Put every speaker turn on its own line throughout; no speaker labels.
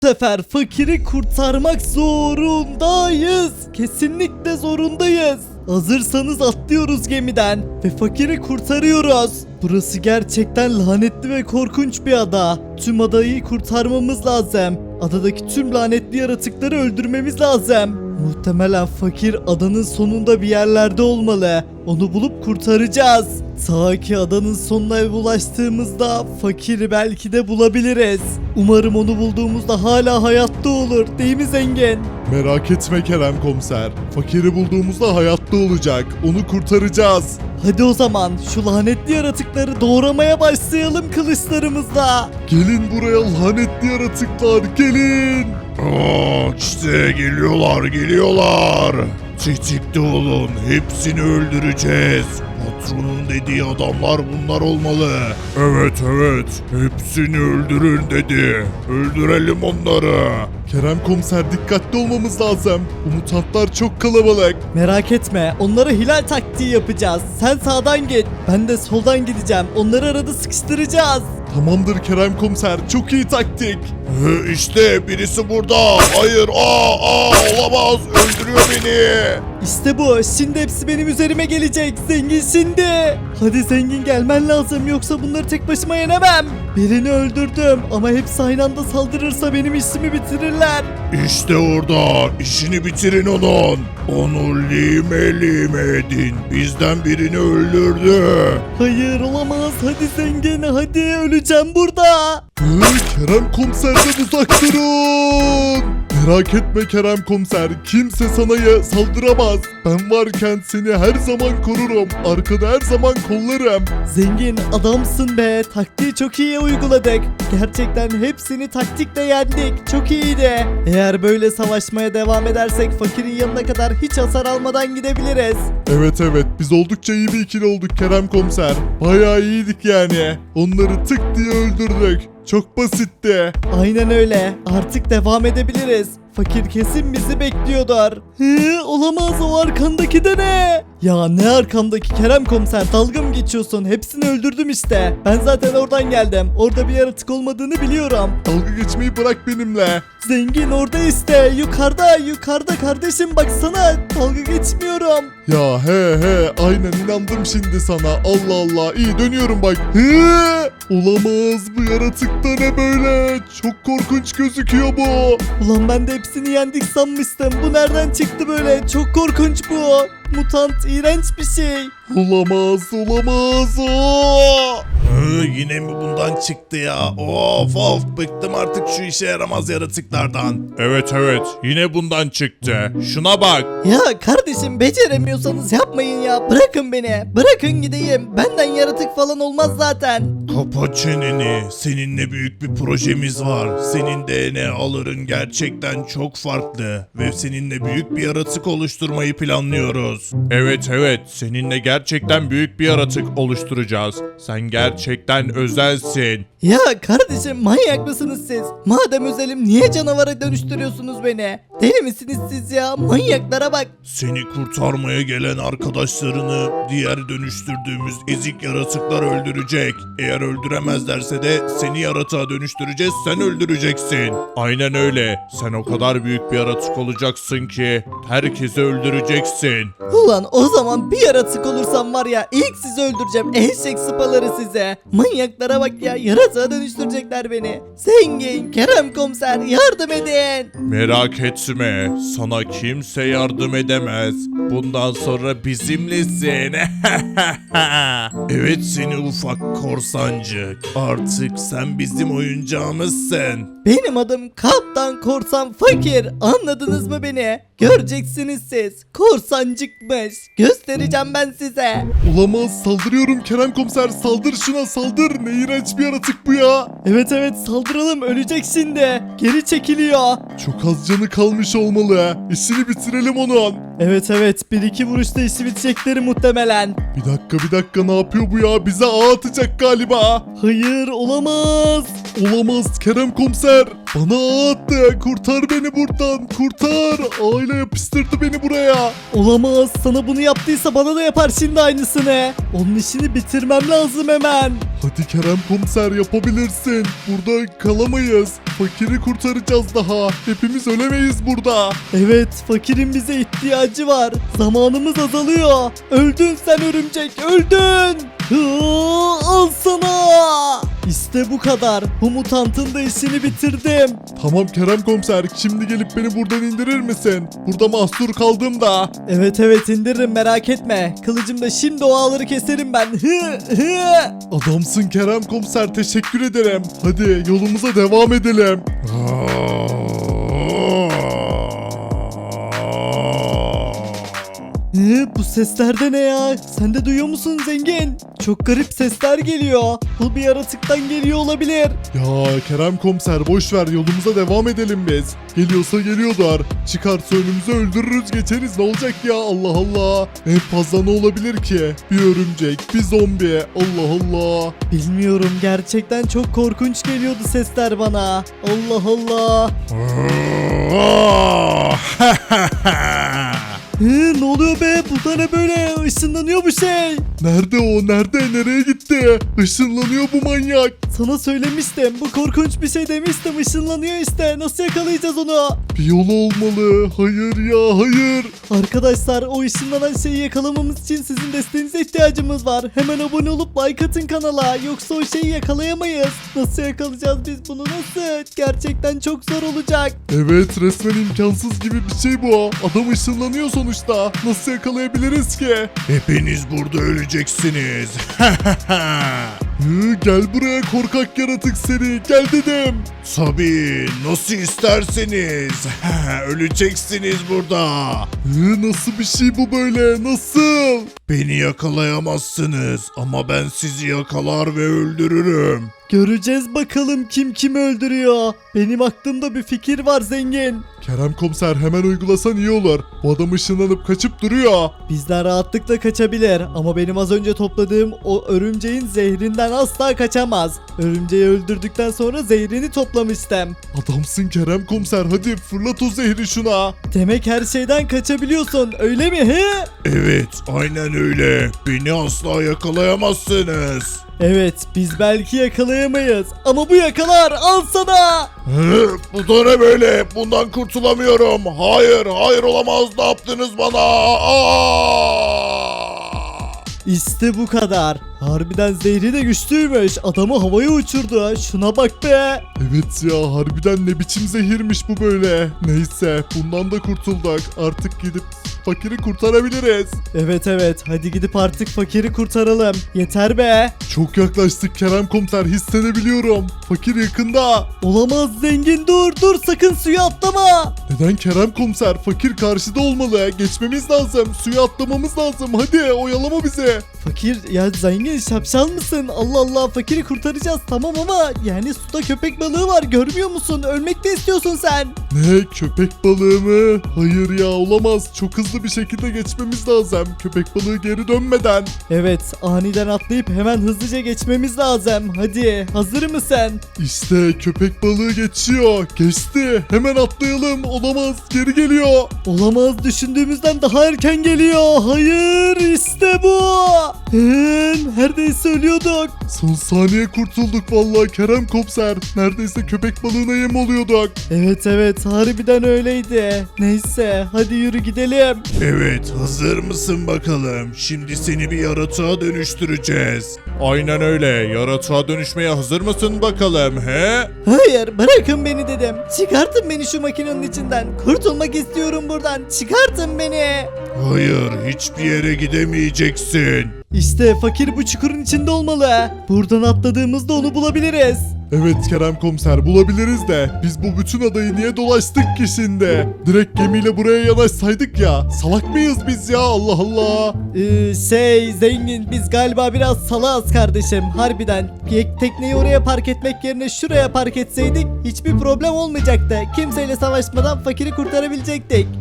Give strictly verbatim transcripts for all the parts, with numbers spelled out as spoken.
Bu sefer fakiri kurtarmak zorundayız. Kesinlikle zorundayız. Hazırsanız atlıyoruz gemiden ve fakiri kurtarıyoruz. Burası gerçekten lanetli ve korkunç bir ada. Tüm adayı kurtarmamız lazım. Adadaki tüm lanetli yaratıkları öldürmemiz lazım. Muhtemelen fakir adanın sonunda bir yerlerde olmalı. Onu bulup kurtaracağız. Ta ki adanın sonuna ulaştığımızda fakiri belki de bulabiliriz. Umarım onu bulduğumuzda hala hayatta olur, değil mi zengin?
Merak etme Kerem komiser. Fakiri bulduğumuzda hayatta olacak. Onu kurtaracağız.
Hadi o zaman şu lanetli yaratıkları doğramaya başlayalım kılıçlarımızla.
Gelin buraya lanetli yaratıklar, gelin. Aa, işte geliyorlar geliyorlar. Tetikte olun, hepsini öldüreceğiz. Patronun dediği adamlar bunlar olmalı. Evet evet, hepsini öldürün dedi. Öldürelim onları. Kerem komiser, dikkatli olmamız lazım. Bu mutantlar çok kalabalık.
Merak etme, onlara hilal taktiği yapacağız. Sen sağdan git, ben de soldan gideceğim. Onları arada sıkıştıracağız.
Tamamdır Kerem komiser, çok iyi taktik. Ee, işte birisi burada. Hayır, aa, aa, olamaz, öldürüyor beni.
İşte bu, şimdi hepsi benim üzerime gelecek. Zengin şimdi. Hadi zengin, gelmen lazım, yoksa bunları tek başıma yenemem. Birini öldürdüm ama hepsi aynı anda saldırırsa benim işimi bitirirler.
İşte orada, işini bitirin onun. Onu lime lime edin. Bizden birini öldürdü.
Hayır, olamaz. Hadi zengin, hadi, öleceğim burada.
Ee, Kerem komiserden uzak durun. Merak etme Kerem komiser, kimse sana ya saldıramaz. Ben varken seni her zaman korurum. Arkada her zaman kollarım.
Zengin adamsın be. Taktiği çok iyi uyguladık. Gerçekten hepsini taktikle yendik. Çok iyiydi. Eğer böyle savaşmaya devam edersek fakirin yanına kadar hiç hasar almadan gidebiliriz.
Evet evet, biz oldukça iyi bir ikili olduk Kerem komiser. Bayağı iyiydik yani. Onları tık diye öldürdük. Çok basitti.
Aynen öyle. Artık devam edebiliriz. Fakir kesin bizi bekliyordur. Hı, olamaz, o arkandaki de ne? Ya ne arkamdaki Kerem komiser, dalga mı geçiyorsun? Hepsini öldürdüm işte. Ben zaten oradan geldim. Orada bir yaratık olmadığını biliyorum.
Dalga geçmeyi bırak benimle.
Zengin orada işte, yukarıda yukarıda kardeşim, baksana, dalga geçmiyorum.
Ya he he, aynen inandım şimdi sana. Allah Allah, iyi dönüyorum bak. He, olamaz, bu yaratık da ne böyle? Çok korkunç gözüküyor bu.
Ulan ben de hepsini yendik sanmıştım. Bu nereden çıktı böyle? Çok korkunç bu. Mutant, iğrenç bir şey.
Olamaz, olamaz. Oo. Hı, yine mi bundan çıktı ya? Of of, bıktım artık şu işe yaramaz yaratıklardan. Evet evet, yine bundan çıktı. Şuna bak.
Ya kardeşim, beceremiyorsanız yapmayın ya. Bırakın beni. Bırakın gideyim. Benden yaratık falan olmaz zaten.
Kapa çeneni. Seninle büyük bir projemiz var. Senin D N A'ların gerçekten çok farklı. Ve seninle büyük bir yaratık oluşturmayı planlıyoruz. Evet evet. Seninle gerçekten büyük bir yaratık oluşturacağız. Sen gerçekten özelsin.
Ya kardeşim, manyak mısınız siz? Madem özelim, niye canavara dönüştürüyorsunuz beni? Deli misiniz siz ya? Manyaklara bak.
Seni kurtarmaya gelen arkadaşlarını diğer dönüştürdüğümüz ezik yaratıklar öldürecek. Eğer öldüremezlerse de seni yaratığa dönüştüreceğiz, sen öldüreceksin. Aynen öyle. Sen o kadar büyük bir yaratık olacaksın ki herkesi öldüreceksin.
Ulan o zaman bir yaratık olursam var ya, ilk sizi öldüreceğim. Eşek sıpaları size. Manyaklara bak ya, yaratığa dönüştürecekler beni. Zengin, Kerem komiser, yardım edin.
Merak etme, sana kimse yardım edemez. Bundan sonra bizimlesin. Evet seni ufak korsancık. Artık sen bizim oyuncağımızsın.
Benim adım Kaptan Korsan Fakir. Anladınız mı beni? Göreceksiniz siz. Korsancıkmış. Göstereceğim ben size.
Olamaz, saldırıyorum Kerem komiser, saldır şuna, saldır. Ne iğrenç bir yaratık bu ya.
Evet evet, saldıralım, ölecek şimdi. Geri çekiliyor.
Çok az canı kalmış olmalı. İşini bitirelim onun.
Evet evet, bir iki vuruşta işi bitecekleri muhtemelen.
Bir dakika bir dakika, ne yapıyor bu ya? Bize ağ atacak galiba.
Hayır, olamaz.
Olamaz Kerem komiser. Bana ağ attı. Kurtar beni buradan. Kurtar. Ağıyla yapıştırdı beni buraya.
Olamaz, sana bunu yaptıysa bana da yapar şimdi aynısını. Onun işini bitirmem lazım hemen.
Hadi Kerem komiser yapabilirsin. Burada kalamayız. Fakiri kurtaracağız daha. Hepimiz ölemeyiz burada.
Evet, fakirin bize ihtiyacı var. Zamanımız azalıyor. Öldün sen örümcek, öldün. Hıı, al sana. İşte bu kadar. Bu mutantın da işini bitirdim.
Tamam Kerem komiser. Şimdi gelip beni buradan indirir misin? Burada mahsur kaldım da.
Evet evet indiririm, merak etme. Kılıcımda şimdi o ağları keserim ben. Hı hı.
Adamsın Kerem komiser. Teşekkür ederim. Hadi yolumuza devam edelim.
Hı, bu sesler de ne ya? Sen de duyuyor musun zengin? Çok garip sesler geliyor. Bu bir yaratıktan geliyor olabilir.
Ya Kerem komiser boş ver, yolumuza devam edelim biz. Geliyorsa geliyorlar. Çıkarsa önümüze öldürürüz geçeriz, ne olacak ya, Allah Allah. En fazla ne olabilir ki? Bir örümcek, bir zombi, Allah Allah.
Bilmiyorum, gerçekten çok korkunç geliyordu sesler bana. Allah Allah. Hı, ne oluyor be? Bu da ne böyle? Işınlanıyor bu şey.
Nerede o, nerede, nereye gitti? Işınlanıyor bu manyak.
Sana söylemiştim. Bu korkunç bir şey demiştim. Işınlanıyor işte. Nasıl yakalayacağız onu?
Bir yolu olmalı. Hayır ya, hayır.
Arkadaşlar, o ışınlanan şeyi yakalamamız için sizin desteğinize ihtiyacımız var. Hemen abone olup like atın kanala. Yoksa o şeyi yakalayamayız. Nasıl yakalayacağız biz bunu, nasıl? Gerçekten çok zor olacak.
Evet, resmen imkansız gibi bir şey bu. Adam ışınlanıyor sonuçta. Nasıl yakalayabiliriz ki? Hepiniz burada öleceksiniz. Hı, gel buraya korkak yaratık seni. Gel dedim. Tabii, nasıl isterseniz. Öleceksiniz burada. Hı, nasıl bir şey bu böyle? Nasıl? Beni yakalayamazsınız ama ben sizi yakalar ve öldürürüm.
Göreceğiz bakalım kim kimi öldürüyor. Benim aklımda bir fikir var zengin.
Kerem komiser, hemen uygulasan iyi olur. Bu adam ışınlanıp kaçıp duruyor.
Bizden rahatlıkla kaçabilir ama benim az önce topladığım o örümceğin zehrinden asla kaçamaz. Örümceği öldürdükten sonra zehrini toplamıştım.
Adamsın Kerem komiser, hadi fırlat o zehri şuna.
Demek her şeyden kaçabiliyorsun, öyle mi he?
Evet, aynen öyle. Beni asla yakalayamazsınız.
Evet, biz belki yakalayamayız ama bu yakalar, al sana.
Hı, bu da ne böyle? Bundan kurtulamıyorum. Hayır, hayır olamaz. Ne yaptınız bana? Aa!
İşte bu kadar. Harbiden zehri de güçlüymüş. Adamı havaya uçurdu. Şuna bak be.
Evet ya, harbiden ne biçim zehirmiş bu böyle. Neyse, bundan da kurtulduk. Artık gidip fakiri kurtarabiliriz.
Evet evet, hadi gidip artık fakiri kurtaralım. Yeter be.
Çok yaklaştık Kerem komiser, hissedebiliyorum. Fakir yakında.
Olamaz zengin, dur dur, sakın suya atlama.
Neden Kerem komiser? Fakir karşıda olmalı. Geçmemiz lazım. Suya atlamamız lazım. Hadi oyalama bizi.
Fakir ya, zengin şapşal mısın? Allah Allah, fakiri kurtaracağız tamam ama yani suda köpek balığı var, görmüyor musun? Ölmek de istiyorsun sen.
Ne? Köpek balığı mı? Hayır ya, olamaz. Çok hızlı bir şekilde geçmemiz lazım. Köpek balığı geri dönmeden.
Evet, aniden atlayıp hemen hızlıca geçmemiz lazım. Hadi, hazır mısın?
İşte köpek balığı geçiyor. Geçti. Hemen atlayalım. Olamaz. Geri geliyor.
Olamaz, düşündüğümüzden daha erken geliyor. Hayır, işte bu. Ee, neredeyse ölüyorduk.
Son saniye kurtulduk vallahi Kerem komiser. Neredeyse köpek balığına yem oluyorduk.
Evet evet, harbiden öyleydi. Neyse, hadi yürü gidelim.
Evet, hazır mısın bakalım? Şimdi seni bir yaratığa dönüştüreceğiz. Aynen öyle. Yaratığa dönüşmeye hazır mısın bakalım he?
Hayır, bırakın beni dedim. Çıkartın beni şu makinenin içinden. Kurtulmak istiyorum buradan. Çıkartın beni.
Hayır, hiçbir yere gidemeyeceksin.
İşte fakir bu çukurun içinde olmalı. Buradan atladığımızda onu bulabiliriz.
Evet Kerem komiser, bulabiliriz de biz bu bütün adayı niye dolaştık ki şimdi? Direkt gemiyle buraya yanaşsaydık ya. Salak mıyız biz ya, Allah Allah.
Ee, şey zengin, biz galiba biraz salağız kardeşim, harbiden. Tek- Tekneyi oraya park etmek yerine şuraya park etseydik hiçbir problem olmayacaktı. Kimseyle savaşmadan fakiri kurtarabilecektik.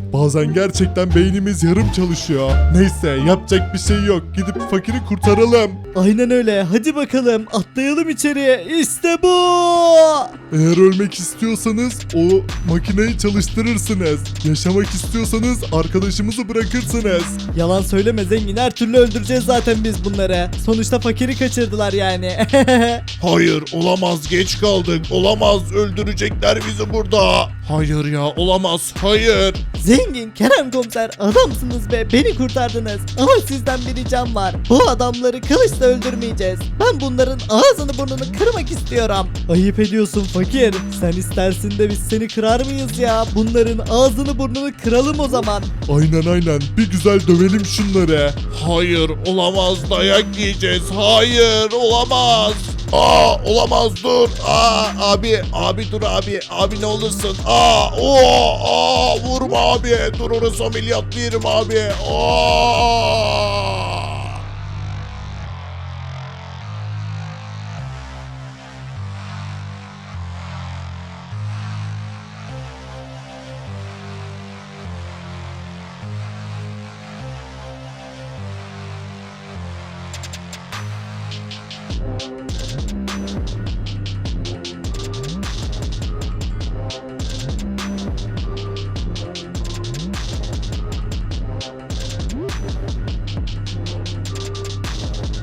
Bazen gerçekten beynimiz yarım çalışıyor. Neyse yapacak bir şey yok. Gidip fakiri kurtaralım.
Aynen öyle. Hadi bakalım atlayalım içeriye. İşte bu.
Eğer ölmek istiyorsanız o makineyi çalıştırırsınız. Yaşamak istiyorsanız arkadaşımızı bırakırsınız.
Yalan söyleme zengin, her türlü öldüreceğiz zaten biz bunları. Sonuçta fakiri kaçırdılar yani.
Hayır olamaz, geç kaldık. Olamaz, öldürecekler bizi burada. Hayır ya, olamaz, hayır.
Zengin, Kerem komiser, adamsınız be, beni kurtardınız. Ama sizden bir ricam var. Bu adamları kılıçla öldürmeyeceğiz. Ben bunların ağzını burnunu kırmak istiyorum. Ayıp ediyorsun fakir. Sen istersin de biz seni kırar mıyız ya? Bunların ağzını burnunu kıralım o zaman.
Aynen aynen, bir güzel dövelim şunları. Hayır olamaz, dayak yiyeceğiz. Hayır olamaz. Aa olamaz, dur. Aa abi abi dur abi. Abi ne olursun. Aa o aa vurma abi. Dur, orası ameliyatlı yerim abi. Aa.